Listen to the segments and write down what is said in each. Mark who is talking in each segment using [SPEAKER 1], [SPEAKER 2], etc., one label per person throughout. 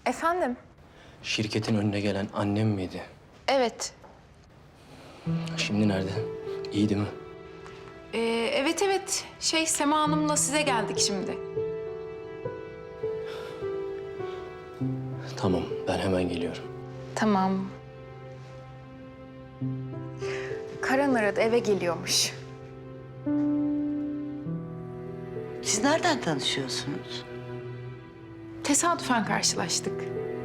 [SPEAKER 1] Efendim?
[SPEAKER 2] Şirketin önüne gelen annem miydi?
[SPEAKER 1] Evet.
[SPEAKER 2] Şimdi nerede? İyi değil mi?
[SPEAKER 1] Evet. Sema Hanım'la size geldik şimdi.
[SPEAKER 2] Tamam, ben hemen geliyorum.
[SPEAKER 1] Tamam. Karan aradı, eve geliyormuş.
[SPEAKER 3] Siz nereden tanışıyorsunuz?
[SPEAKER 1] Tesadüfen karşılaştık.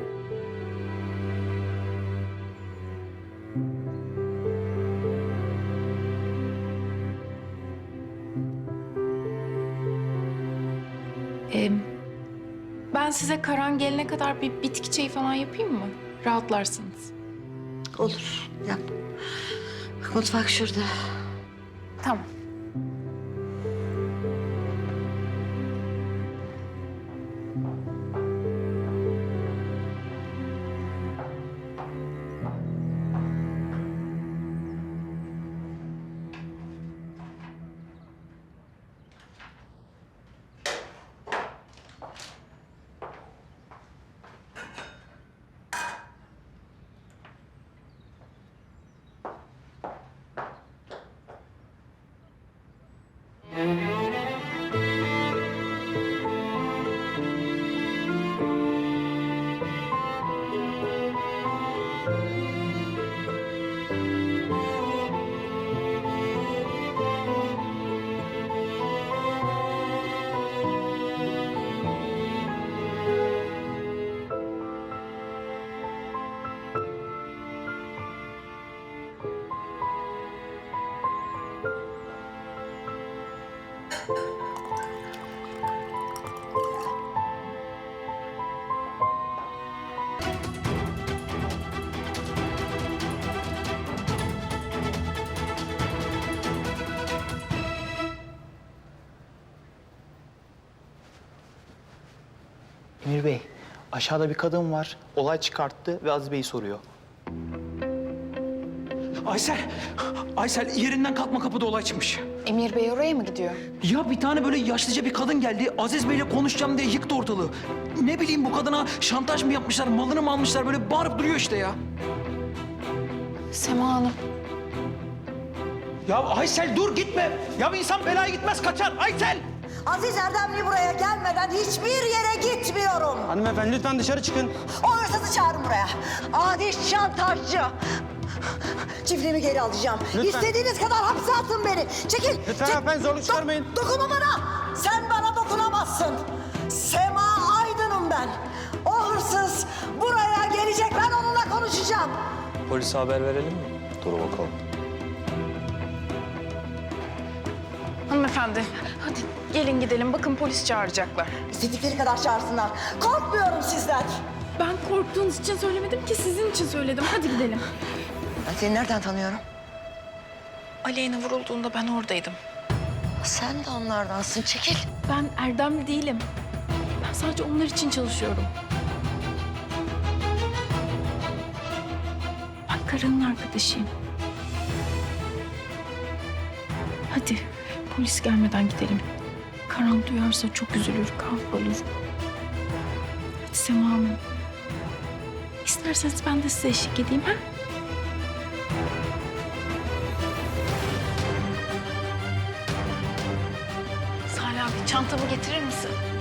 [SPEAKER 1] Ben size Karan gelene kadar bir bitki çayı falan yapayım mı? Rahatlarsınız.
[SPEAKER 3] Olur, yap. Bak, mutfak şurada.
[SPEAKER 1] Tamam.
[SPEAKER 4] Emir Bey, aşağıda bir kadın var. Olay çıkarttı ve Aziz Bey'i soruyor.
[SPEAKER 5] Aysel yerinden kalkma, kapıda olay çıkmış.
[SPEAKER 1] Emir Bey oraya mı gidiyor?
[SPEAKER 5] Ya bir tane böyle yaşlıca bir kadın geldi. Aziz Bey'le konuşacağım diye yıktı ortalığı. Ne bileyim, bu kadına şantaj mı yapmışlar, malını mı almışlar, böyle bağırıp duruyor işte ya.
[SPEAKER 1] Sema Hanım.
[SPEAKER 5] Ya Aysel dur, gitme. Ya bir insan belaya gitmez, kaçar. Aysel!
[SPEAKER 3] Aziz Erdemli buraya gelmeden hiçbir yere gitmiyorum.
[SPEAKER 6] Hanımefendi lütfen dışarı çıkın.
[SPEAKER 3] O hırsızı çağırın buraya. Adi şantajcı. Çiftliğimi geri alacağım.
[SPEAKER 6] Lütfen.
[SPEAKER 3] İstediğiniz kadar hapse atın beni. Çekil.
[SPEAKER 6] Lütfen hanımefendi, zorluk çıkarmayın.
[SPEAKER 3] Dokunma bana. Sen bana dokunamazsın. Sema Aydın'ım ben. O hırsız buraya gelecek. Ben onunla konuşacağım.
[SPEAKER 2] Polise haber verelim mi? Dur bakalım.
[SPEAKER 1] Hanımefendi, hadi gelin gidelim. Bakın polis çağıracaklar.
[SPEAKER 3] İstedikleri kadar çağırsınlar. Korkmuyorum sizden.
[SPEAKER 1] Ben korktuğunuz için söylemedim ki sizin için söyledim. Hadi gidelim.
[SPEAKER 3] Ben seni nereden tanıyorum?
[SPEAKER 1] Aleyna vurulduğunda ben oradaydım.
[SPEAKER 3] Sen de onlardansın. Çekil.
[SPEAKER 1] Ben Erdemli değilim. Ben sadece onlar için çalışıyorum. Ben Karan'ın arkadaşıyım. Hadi polis gelmeden gidelim. Karan duyarsa çok üzülür, kahrolur. Hadi Sema Hanım. İsterseniz ben de size eşlik edeyim, ha? Salih abi, çantamı getirir misin?